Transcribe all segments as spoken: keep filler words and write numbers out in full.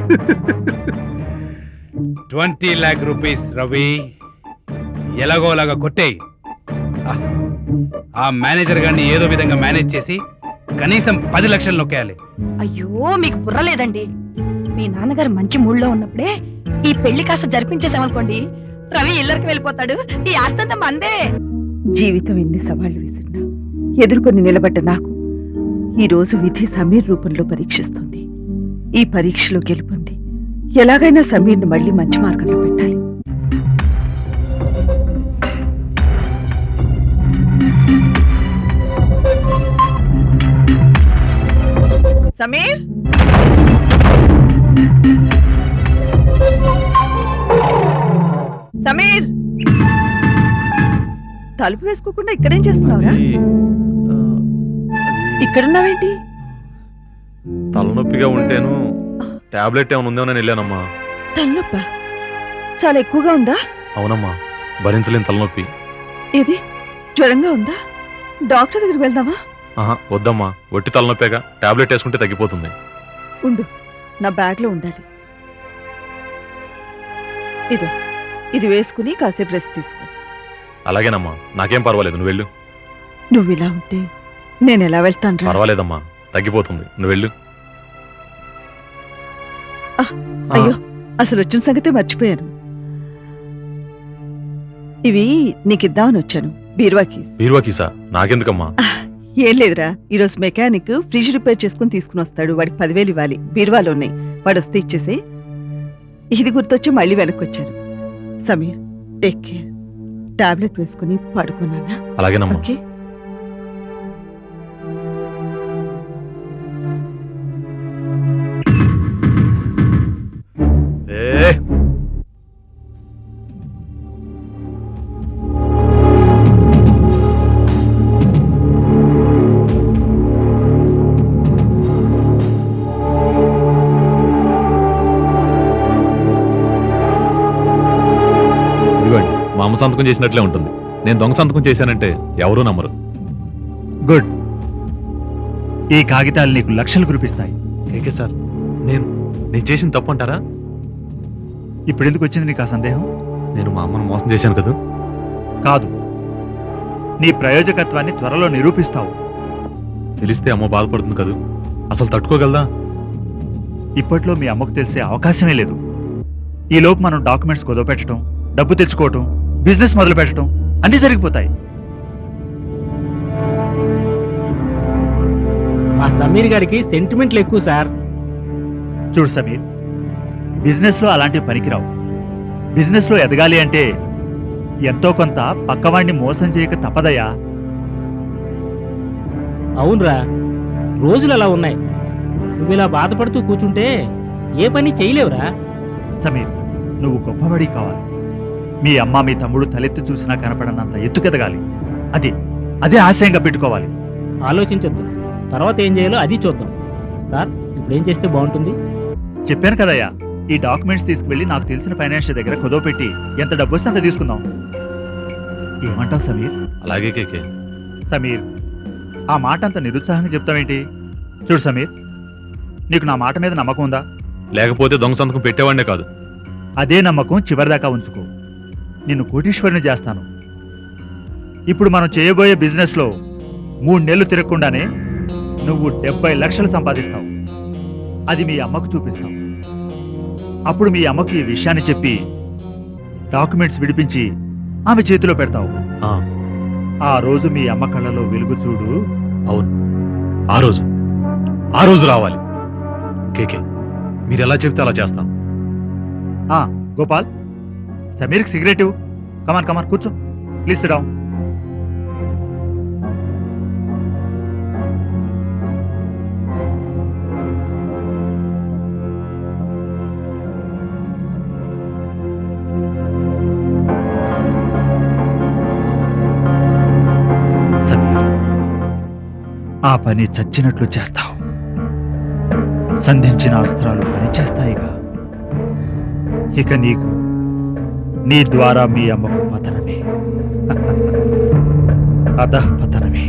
Twenty lakh rupees Ravi, ఎలాగోలాగా కొట్టేయి. ఆ మేనేజర్ గారిని ఏదో విధంగా మేనేజ్ చేసి కనీసం పది లక్షలు నొక్కేయాలి. అయ్యో మీకు బుర్ర లేదండి. మీ నాన్నగారు మంచి మూడ్లో ఉన్నప్పుడే ఈ పెళ్లి కాస్త జరిపించేసామనుకోండి, రవి ఇల్లరికి వెళ్ళిపోతాడు, ఈ ఆస్తంతా మందే. జీవితం ఎన్ని సవాళ్లు విసిరినా ఎదుర్కొని నిలబడ్డ నాకు ఈ రోజు విధి సమీర్ రూపంలో పరీక్షిస్తుంది. ఈ పరీక్షలో గెలుపొంది ఎలాగైనా సమీర్ని మళ్ళీ మంచి మార్గంలో పెట్టాలి. సమీర్, సమీర్, తలుపు వేసుకోకుండా ఇక్కడేం చేస్తున్నావురా? ఇక్కడున్నావేంటి? తలనొప్పిగా ఉంటేను టాబ్లెట్ ఏమైనా ఉందేమో నేను వెళ్ళానమ్మా. తలనొప్ప చాలా ఎక్కువగా ఉందా? అవునమ్మా, భరించలేని తలనొప్పి. ఏది జ్వరంగా ఉందా? డాక్టర్ దగ్గరికి వెళ్దామా? ఆహా వద్దమ్మా, ఒట్టి తలనొప్పేగా, టాబ్లెట్ వేసుకుంటే తగ్గిపోతుంది. ఉండు, నా బ్యాగ్ లో ఉండాలి. ఇదో ఇది వేసుకుని కాసేపు రెస్ట్ తీసుకో. అలాగేనమ్మా, నాకేం పర్వాలేదు, నువ్వు వెళ్ళు. నువ్వు ఇలా ఉంటే నేను ఎలా వెళ్తాను? పర్వాలేదమ్మా, తగ్గిపోతుంది, నువ్వు వెళ్ళు. అయ్యో, అసలు వచ్చిన సంగతే మర్చిపోయాను. ఇవి నీకిద్దామని వచ్చాను. బీరువాకి. బీరువాకీసా? నాకెందుకమ్మా? ఏం లేదురా, ఈరోజు మెకానిక్ ఫ్రిడ్జ్ రిపేర్ చేసుకుని తీసుకుని వస్తాడు. వాడికి పదివేలు ఇవ్వాలి, బీరువాలో ఉన్నాయి. వాడు వస్తే ఇచ్చేసి. ఇది గుర్తొచ్చి మళ్ళీ వెనక్కి వచ్చాను. Sameer, take care. టాబ్లెట్ వేసుకుని పడుకున్నానా? అలాగేనమ్మా. ఓకే. మా అమ్మ సంతకం చేసినట్లే ఉంటుంది. నేను దొంగ సంతకం చేశానంటే ఎవరూ నమ్మరు. గుడ్. ఈ కాగితాలు నీకు లక్షలు కురిపిస్తాయి. ఓకే సార్, నేను నేను చేసిన తప్పు అంటారా? ఇప్పుడు ఎందుకు వచ్చింది నీకు ఆ సందేహం? నేను మా అమ్మను మోసం చేశాను కదా? కాదు, నీ ప్రయోజకత్వాన్ని త్వరలో నిరూపిస్తావు. తెలిస్తే అమ్మ బాధపడుతుంది కదా, అసలు తట్టుకోగలదా? ఇప్పట్లో మీ అమ్మకు తెలిసే అవకాశమే లేదు. ఈలోపు మనం డాక్యుమెంట్స్ కుదవపెట్టడం, డబ్బు తెచ్చుకోవటం, బిజినెస్ మొదలు పెట్టడం అన్నీ జరిగిపోతాయి. మా సమీర్ గారికి సెంటిమెంట్లు ఎక్కువ సార్. చూడు సమీర్, బిజినెస్ లో అలాంటివి పనికిరావు. బిజినెస్ లో ఎదగాలి అంటే ఎంతో కొంత పక్కవాడిని మోసం చేయక తప్పదయ్యా. అవునరా, రోజులు అలా ఉన్నాయి. నువ్వు ఇలా బాధపడుతూ కూర్చుంటే ఏ పని చేయలేవురా. సమీర్, నువ్వు గొప్పవాడి కావాలి. మీ అమ్మ మీ తమ్ముడు తలెత్తి చూసినా కనపడనంత ఎత్తుకెదగాలి. అది అదే ఆశయంగా పెట్టుకోవాలి. ఆలోచించొద్దు, తర్వాత ఏం చేయాలో అది చూద్దాం. సార్, ఇప్పుడు ఏం చేస్తే బాగుంటుంది? చెప్పాను కదయ్యా, ఈ డాక్యుమెంట్స్ తీసుకువెళ్ళి నాకు తెలిసిన ఫైనాన్షియల్ దగ్గర కుదవ పెట్టి ఎంత డబ్బు వస్తే అంత తీసుకుందాం. ఏమంటావు సమీర్? అలాగే కేకే. సమీర్, ఆ మాట అంత నిరుత్సాహంగా చెప్తావేంటి? చూడు సమీర్, నీకు నా మాట మీద నమ్మకం ఉందా? లేకపోతే దొంగ సంతకం పెట్టేవాడినే కాదు. అదే నమ్మకం చివరిదాకా ఉంచుకో. నిన్ను కోటీశ్వరుని చేస్తాను. ఇప్పుడు మనం చేయబోయే బిజినెస్లో మూడు నెలలు తిరగకుండానే నువ్వు డెబ్బై లక్షలు సంపాదిస్తావు. అది మీ అమ్మకు చూపిస్తావు. అప్పుడు మీ అమ్మకి ఈ విషయాన్ని చెప్పి డాక్యుమెంట్స్ విడిపించి ఆమె చేతిలో పెడతావు. ఆ రోజు మీ అమ్మ కళ్ళలో వెలుగు చూడు. అవును, ఆ రోజు ఆ రోజు రావాలి. కేకే, మీరు ఎలా చెప్తే అలా చేస్తాను. ఆ గోపాల్, సమీర్కి సిగరెట్ ఇవ్వు. కమాన్ కమాన్, కూర్చో. Please SIT down. సమీర్, ఆ పని చచ్చినట్లు చేస్తావు. సంధించిన అస్త్రాలు పనిచేస్తాయిగా. ఇక నీకు నీ ద్వారా మీ అమ్మకు పతనమే, అధః పతనమే.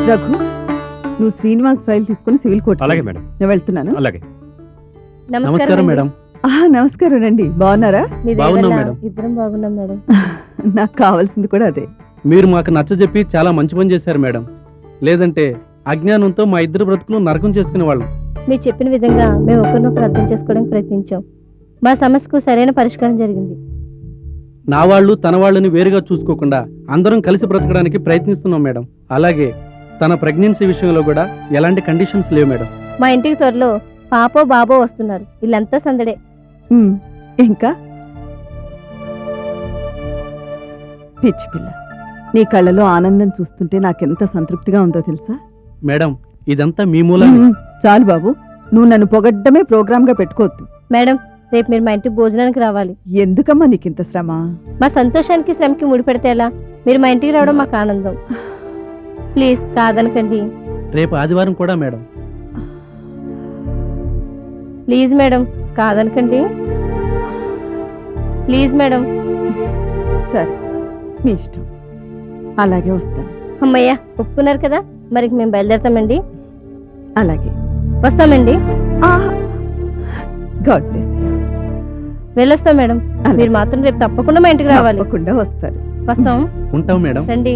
రఘు నువ్వు శ్రీనివాస్ ఫైల్ తీసుకుని సివిల్ కోర్టు అలాగే మేడం. నేను వెళ్తున్నాను. అలాగే. నమస్కారం మేడం. ఆహా, నమస్కారం రండి. బాగున్నారా? బాగున్నాం మేడం. ఇద్దరం బాగున్నాం మేడం. నాకు కావాల్సింది కూడా అదే. మీరు మాకు నచ్చజెప్పి చాలా మంచి పని చేశారు మేడం. లేదంటే అజ్ఞానంతో మా ఇద్దరు బ్రతుకులు నరకం చేసుకునే వాళ్ళం. మీరు చెప్పిన విధంగా మేము ఒకరినొకరు అర్థం చేసుకోవడానికి ప్రయత్నించాం. మా సమస్యకు సరైన పరిష్కారం జరిగింది. నా వాళ్ళు తన వాళ్ళని వేరుగా చూసుకోకుండా అందరం కలిసి బ్రతకడానికి ప్రయత్నిస్తున్నాం మేడం. అలాగే తన ప్రెగ్నెన్సీ విషయంలో కూడా ఎలాంటి కండిషన్స్ లేవు మేడం. మా ఇంటికి త్వరలో పాపో బాబో వస్తున్నారు. ఇల్లంతా సందడే. ఉమ్, ఇంకా పిచ్చి పిల్ల, నీ కళ్ళలో ఆనందం చూస్తుంటే నాకెంత సంతృప్తిగా ఉందో తెలుసా? మేడం ఇదంతా మీ మూలమే. ఉమ్, చాలు బాబు, నువ్వు నన్ను పొగడ్డమే ప్రోగ్రామ్ గా పెట్టుకోవద్దు. మేడం రేపు మీరు మా ఇంటికి భోజనానికి రావాలి. ఎందుకమ్మా నీకింత శ్రమ? మా సంతోషానికి శ్రమకి ముడిపెడితే ఎలా? మీరు మా ఇంటికి రావడం మాకు ఆనందం. ప్లీజ్ కాదనకండి. రేపు ఆదివారం కూడా మేడం. ప్లీజ్ మేడం కాదనకండి. Please madam. సరే, మీ ఇష్టం. అలాగే వస్తాను. అమ్మయ్య ఒప్పుకున్నారు కదా, మరి మేము బయలుదేరతామండి. అలాగే వస్తామండి. God bless you. వెళ్ళొస్తాం మేడం. అలాగే. మీరు మాత్రం రేపు తప్పకుండా మా ఇంటికి రావాలి. తప్పకుండా వస్తారు. వస్తాం. ఉంటాం మేడం. రండి.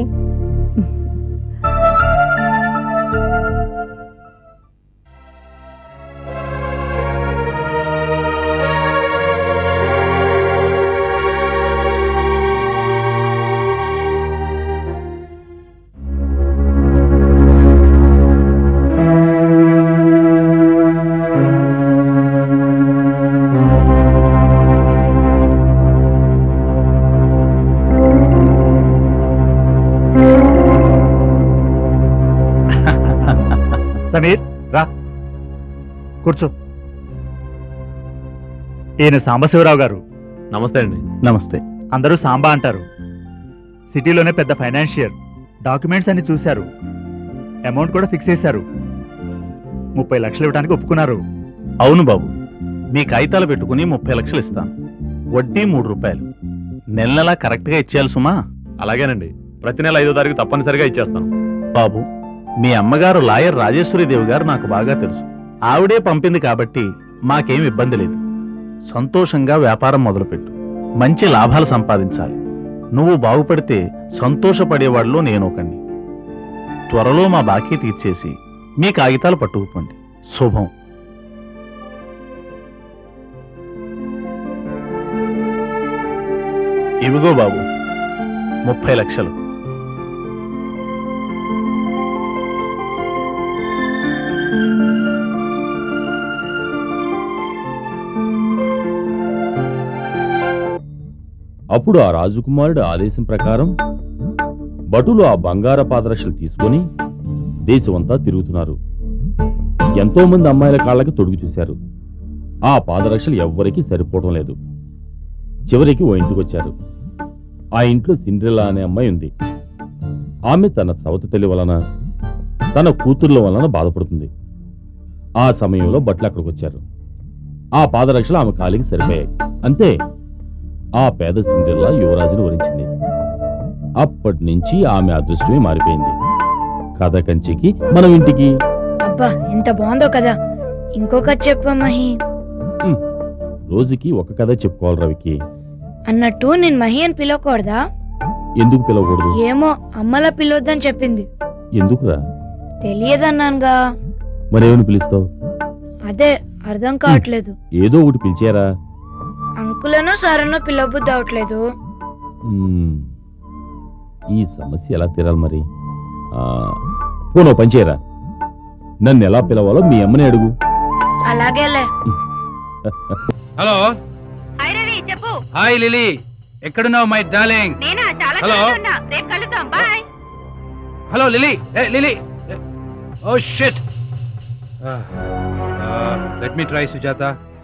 సమీర్ రా, కూర్చో. ఈయన సాంబశివరావు గారు. నమస్తే అండి. నమస్తే. అందరూ సాంబా అంటారు. సిటీలోనే పెద్ద ఫైనాన్షియర్. డాక్యుమెంట్స్ అన్ని చూశారు, అమౌంట్ కూడా ఫిక్స్ చేశారు. ముప్పై లక్షలు ఇవ్వడానికి ఒప్పుకున్నారు. అవును బాబు, మీ కాగితాలు పెట్టుకుని ముప్పై లక్షలు ఇస్తాను. వడ్డీ మూడు రూపాయలు. నెల నెలా కరెక్ట్గా ఇచ్చేయాలి సుమా. అలాగేనండి. ప్రతి నెల ఐదో తారీఖు తప్పనిసరిగా ఇచ్చేస్తాను. బాబు, మీ అమ్మగారు లాయర్ రాజేశ్వరీదేవి గారు నాకు బాగా తెలుసు. ఆవిడే పంపింది కాబట్టి మాకేం ఇబ్బంది లేదు. సంతోషంగా వ్యాపారం మొదలుపెట్టు. మంచి లాభాలు సంపాదించాలి. నువ్వు బాగుపడితే సంతోషపడేవాడిలో నేను ఒకండి. త్వరలో మా బాకీ తీర్చేసి మీ కాగితాలు పట్టుకుపోండి. శుభం. ఇవిగో బాబు ముప్పై లక్షలు. అప్పుడు ఆ రాజకుమారుడు ఆదేశం ప్రకారం భటులు ఆ బంగార పాదరక్షలు తీసుకొని దేశమంతా తిరుగుతున్నారు. ఎంతో మంది అమ్మాయిల కాళ్ళకి తొడుగు చూశారు. ఆ పాదరక్షలు ఎవ్వరికీ సరిపోవడం లేదు. చివరికి ఓ ఇంటికొచ్చారు. ఆ ఇంట్లో సిండ్రెల్లా అనే అమ్మాయి ఉంది. ఆమె తన సవతి తల్లి వలన తన కూతుర్ల వలన బాధపడుతుంది. ఆ సమయంలో భట్లు అక్కడికి వచ్చారు. ఆ పాదరక్షలు ఆమె కాలికి సరిపోయాయి. అంతే, ఆ పేద సిండ్రెల్లా యువరాజును వరించింది. అప్పటి నుంచి ఆమె అదృష్టమే మారిపోయింది. కథ కంచికి మనం ఇంటికి. అబ్బా ఎంత బాగుందో కదా, ఇంకొక చెప్పమహి. రోజుకి ఒక కథ చెప్పుకోవాలి రవికి. అన్నట్టు నేను మహి అని పిలవకూడదా? ఎందుకు పిలవకూడదు? ఏమో అమ్మలా పిలవద్దని చెప్పింది. ఎందుకురా? తెలియదన్నానుగా. మరేమని పిలుస్తావు? అదే అర్థం కావట్లేదు. ఏదో ఒకటి పిలిచారా? అంకులనో సారనో పిలవబుద్ధి అవట్లేదు. మ్మ్. ఈ సమస్య ఎలా తీరాలి మరి? పోనో పనిచేయరా, నన్ను ఎలా పిలవాలో మీ అమ్మని అడుగు. అలాగేలే. హలో. హాయ్ రవి, చెప్పు. హాయ్ లిలీ, ఎక్కడున్నావు మై డార్లింగ్? నేనా చాలా హలో. ఖాళీగా ఉన్నా. రేపు కలుద్దాం. Bye. Hello Lily. Hey Lily. Oh shit. Let me try Sujatha.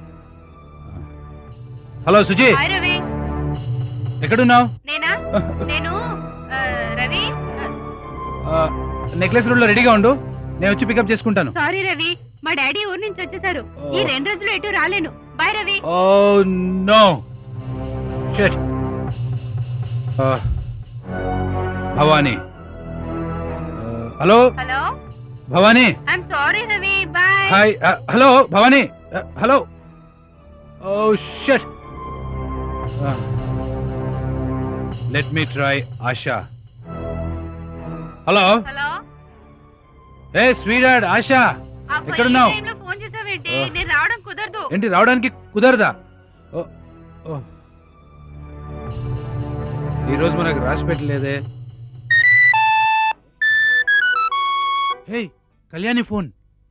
Hello Suji, hi Ravi. ఎక్కడున్నావు? నేనా నేను ఆ, రవి నెక్లెస్ రోడ్ లో రెడీగా ఉండు, నేను వచ్చి పికప్ చేసుకుంటాను. సారీ రవి, మా డాడీ ఊరు నుంచి వచ్చేసారు. ఈ రెండు రోజులు ఎటు రాలేను. Bye Ravi. Oh no shit. Bhavani, hello hello Bhavani I'm sorry Ravi bye hi hello Bhavani hello oh shut let me try Asha hello hello hey sweet Asha ఎక్కడున్నావు? ఫోన్ చేసావేంటి ఓ. నేను రావడం కుదరదు ఏంటి రావడానికి కుదరదా ఓ, ఓ. ఈరోజు మనకు రాసి పెట్టలేదే. Hey Kalyani phone.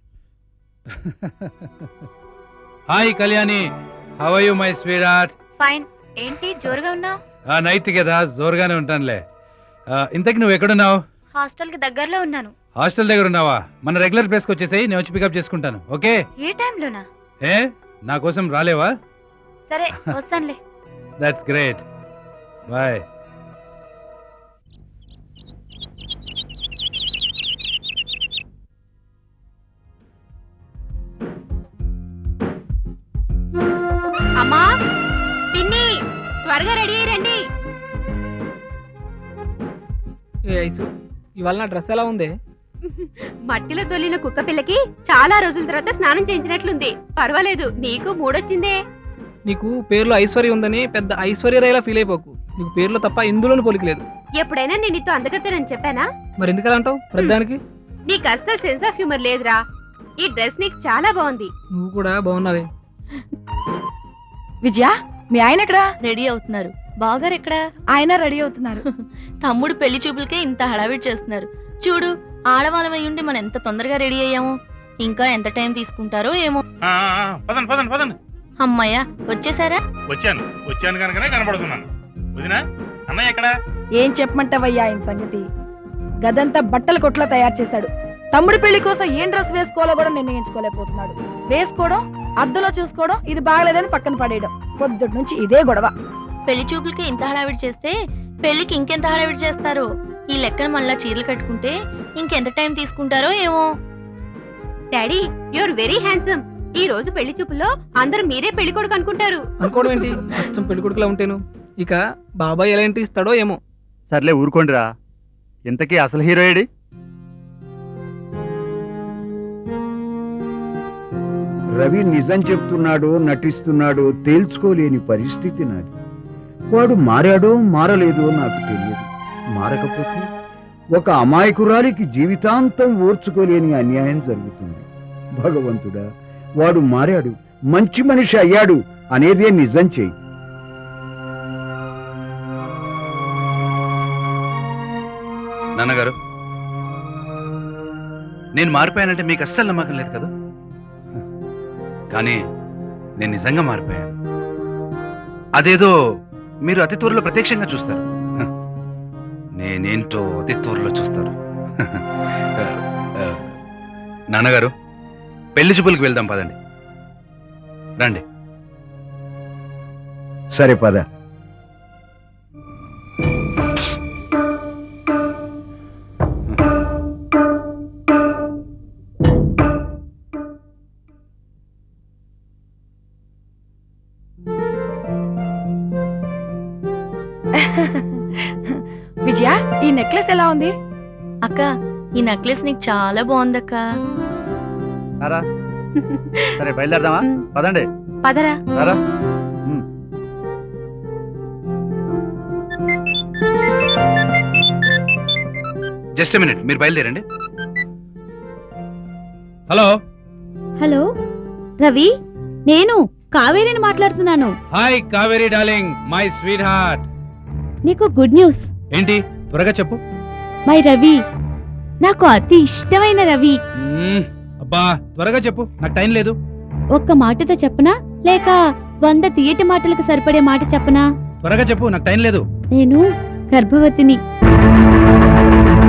Hi Kalyani, how are you my sweet heart? Fine. ఏంటి జోరుగా ఉన్నావు? ఆ నైట్ కదా జోరుగానే ఉంటానులే. ఆ, ఇంతకి నువ్వు ఎక్కడున్నావు? హాస్టల్ కి దగ్గరలో ఉన్నాను. హాస్టల్ దగ్గర ఉన్నావా? మన రెగ్యులర్ ప్లేస్కి వచ్చేసాయి, నేను వచ్చి పికప్ చేసుకుంటాను. ఓకే? ఏ టైంలోనా? ఏ నా కోసం రాలేవా? సరే వస్తానులే. That's great. బాయ్. అమ్మా పిన్ని త్వరగా రెడీ రండి. ఏ ఐసు, ఇవాళ నా డ్రెస్ ఎలా ఉంది? మట్టిలో తొలిన కుక్క పిల్లకి చాలా రోజుల తర్వాత స్నానం చేయించినట్లుంది. పర్వాలేదు, నీకు మూడొచ్చిందే. నీకు పేర్లో ఐశ్వర్య ఉందని పెద్ద ఐశ్వర్యరాయలా ఫీల్ అయిపోకు. నీకు పేర్లో తప్ప ఇందులోనూ పోలికలేదు. ఎప్పుడైనా నేను నీతో అందగత్తేనని చెప్పానా? మరి ఎందుకలా అంటావు ప్రతిదానికి? నీకు అస్సలు సెన్స్ ఆఫ్ హ్యూమర్ లేదురా. ఈ డ్రెస్ నీకు చాలా బాగుంది. నువ్వు కూడా బాగున్నావే. విజయ, మీ ఆయన ఎక్కడా? రెడీ అవుతున్నారు. బావగారు ఎక్కడ? ఆయన రెడీ అవుతున్నారు. తమ్ముడు పెళ్లి చూపులకే ఇంత హడావిడి చేస్తున్నారు. చూడు, ఆడవాళ్ళం అయ్యుండి మనం ఎంత తొందరగా రెడీ అయ్యాము. ఇంకా ఎంత టైం తీసుకుంటారో ఏమో. పదండి పదండి పదండి. అమ్మయ్య, వచ్చేసారా? వచ్చాను వచ్చాను కనుకనే కనబడుతున్నాను. వదినా, అన్నయ్య ఎక్కడ? ఏం చెప్పమంటావయ్యా ఆయన సంగతి? గదంతా బట్టల కొట్లా తయారు చేశాడు. తమ్ముడి పెళ్లి కోసం ఏం డ్రెస్ వేసుకోవాలో కూడా నిర్ణయించుకోలేకపోతున్నాడు. వేసుకోవడం, అద్దంలో చూసుకోవడం, ఇది బాగలేదని పక్కన పడేయడం. పొద్దుటి నుంచి ఇదే గొడవ. పెళ్లి చూపులకి ఇంత హడావిడి చేస్తే పెళ్లికి ఇంకెంత హడావిడి చేస్తారో. ఈ లెక్కన మళ్ళా చీరలు కట్టుకుంటే ఇంకెంత టైం తీసుకుంటారో ఏమో. Daddy, you're very handsome. ఈ రోజు పెళ్లి చూపుల్లో అందరూ మీరే పెళ్లి కొడుకు అనుకుంటారు. అనుకోవడం ఏంటి? అచ్చం పెళ్లి కొడుకులా ఉంటేను. ఇక బాబాయ్ ఎలా ఎంట్రీ ఇస్తాడో ఏమో. సర్లే ఊరుకోండిరా. ఇంతకీ అసలు హీరో ఏడి? రవి నిజం చెప్తున్నాడో నటిస్తున్నాడో తేల్చుకోలేని పరిస్థితి నాది. వాడు మారాడో మారలేదో నాకు తెలియదు. మారకపోతే ఒక అమాయకురాలికి జీవితాంతం ఓర్చుకోలేని అన్యాయం జరుగుతుంది. భగవంతుడా, వాడు మారాడు, మంచి మనిషి అయ్యాడు అనేదే నిజం చేయి. నాన్నగారు, నేను మారిపోయానంటే మీకు అస్సలు నమ్మకం లేదు కదా? కానీ నేను నిజంగా మారిపోయాను. అదేదో మీరు అతి త్వరలో ప్రత్యక్షంగా చూస్తారు. నేనేంటో అతి త్వరలో చూస్తారు. నాన్నగారు, పెళ్లి చూపులకు వెళ్దాం పదండి. రండి. సరే పద. విజయ, ఈ నెక్లెస్ ఎలా ఉంది? అక్క, ఈ నెక్లెస్ నీకు చాలా బాగుందక్క. రారా. సరే బయలుదేరదామా? పదండి. పదరా. రారా. జస్ట్ మినిట్, మీరు బయలుదేరండి. హలో హలో రవి, నేను కావేరిని మాట్లాడుతున్నాను. Hi Kaveri darling, my sweet heart. నీకు గుడ్ న్యూస్. ఏంటి? త్వరగా చెప్పు. మై రవి, నాకు అతి ఇష్టమైన రవి. మ్మ్, అబ్బా త్వరగా చెప్పు, నాకు టైం లేదు. ఒక్క మాటతో చెప్పనా లేక వంద తీయటి మాటలకు సరిపడే మాట చెప్పనా? త్వరగా చెప్పు, నాకు టైం లేదు. నేను గర్భవతిని.